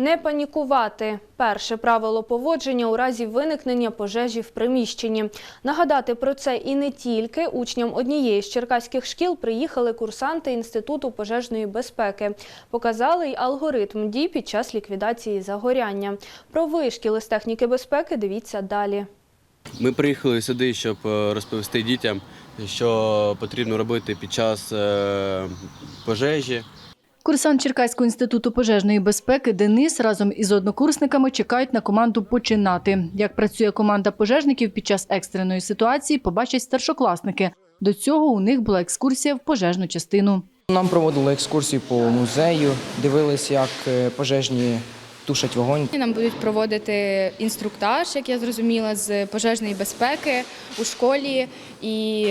Не панікувати – перше правило поводження у разі виникнення пожежі в приміщенні. Нагадати про це і не тільки учням однієї з черкаських шкіл приїхали курсанти Інституту пожежної безпеки. Показали й алгоритм дій під час ліквідації загоряння. Про вишкіли з техніки безпеки дивіться далі. Ми приїхали сюди, щоб розповісти дітям, що потрібно робити під час пожежі. Курсант Черкаського інституту пожежної безпеки Денис разом із однокурсниками чекають на команду «Починати». Як працює команда пожежників під час екстреної ситуації, побачать старшокласники. До цього у них була екскурсія в пожежну частину. Нам проводили екскурсію по музею, дивилися, як пожежні тушать вогонь. Нам будуть проводити інструктаж, як я зрозуміла, з пожежної безпеки у школі. І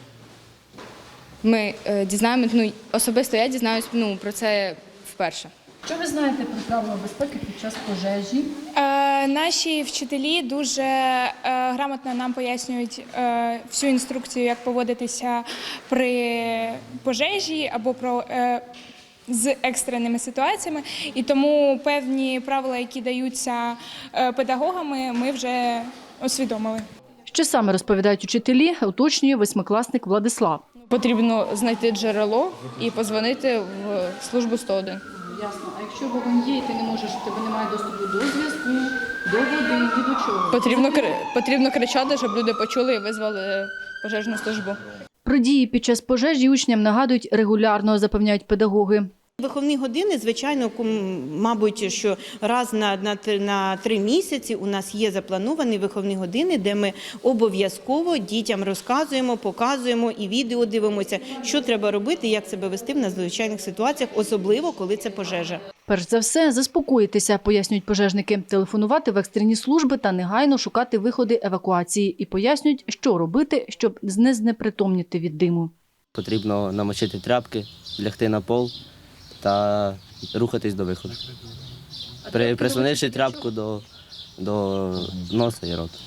ми дізнаємося, особисто я дізнаюся про це вперше. Що ви знаєте про правила безпеки під час пожежі? Наші вчителі дуже грамотно нам пояснюють всю інструкцію, як поводитися при пожежі або з екстреними ситуаціями. І тому певні правила, які даються педагогами, ми вже усвідомили. Що саме розповідають учителі, уточнює восьмикласник Владислав. Потрібно знайти джерело і подзвонити в службу 101. Ясно. А якщо вогонь є, і ти не можеш, у тебе немає доступу до зв'язку, до води, ні до чого? Потрібно кричати, щоб люди почули і визвали пожежну службу. Про дії під час пожежі учням нагадують регулярно, запевняють педагоги. Виховні години, звичайно, мабуть, що раз на 3 місяці у нас є заплановані виховні години, де ми обов'язково дітям розказуємо, показуємо і відео дивимося, що треба робити, як себе вести в надзвичайних ситуаціях, особливо, коли це пожежа. Перш за все, заспокоїтися, пояснюють пожежники, телефонувати в екстрені служби та негайно шукати виходи евакуації. І пояснюють, що робити, щоб не знепритомніти від диму. Потрібно намочити тряпки, лягти на пол та рухатись до виходу, прислонивши тряпку до носа і рота.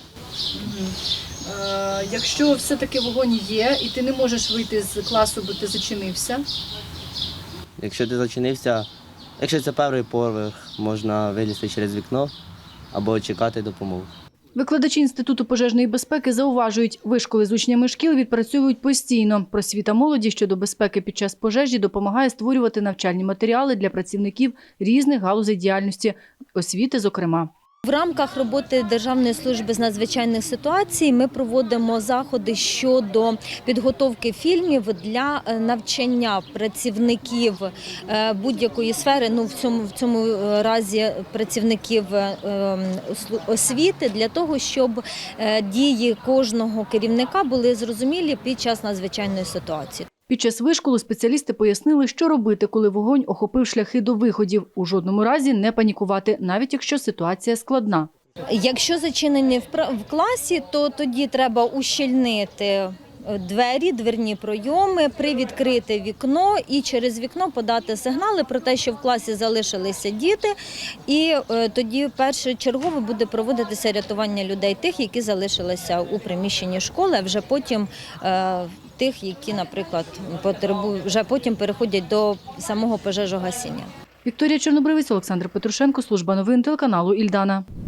Якщо все-таки вогонь є і ти не можеш вийти з класу, бо ти зачинився? Якщо ти зачинився, якщо це перший поверх, можна вилізти через вікно або чекати допомоги. Викладачі Інституту пожежної безпеки зауважують, вишколи з учнями шкіл відпрацьовують постійно. Просвіта молоді щодо безпеки під час пожежі допомагає створювати навчальні матеріали для працівників різних галузей діяльності, освіти зокрема. В рамках роботи Державної служби з надзвичайних ситуацій ми проводимо заходи щодо підготовки фільмів для навчання працівників будь-якої сфери, в цьому разі працівників освіти, для того, щоб дії кожного керівника були зрозумілі під час надзвичайної ситуації. Під час вишколу спеціалісти пояснили, що робити, коли вогонь охопив шляхи до виходів. У жодному разі не панікувати, навіть якщо ситуація складна. Якщо зачинені в класі, то тоді треба ущільнити двері, дверні пройоми, привідкрити вікно і через вікно подати сигнали про те, що в класі залишилися діти. І тоді першочергово буде проводитися рятування людей, тих, які залишилися у приміщенні школи, а вже потім тих, які, наприклад, вже потім переходять до самого пожежогасіння. Вікторія Чорнобривець, Олександр Петрушенко, служба новин телеканалу «Ільдана».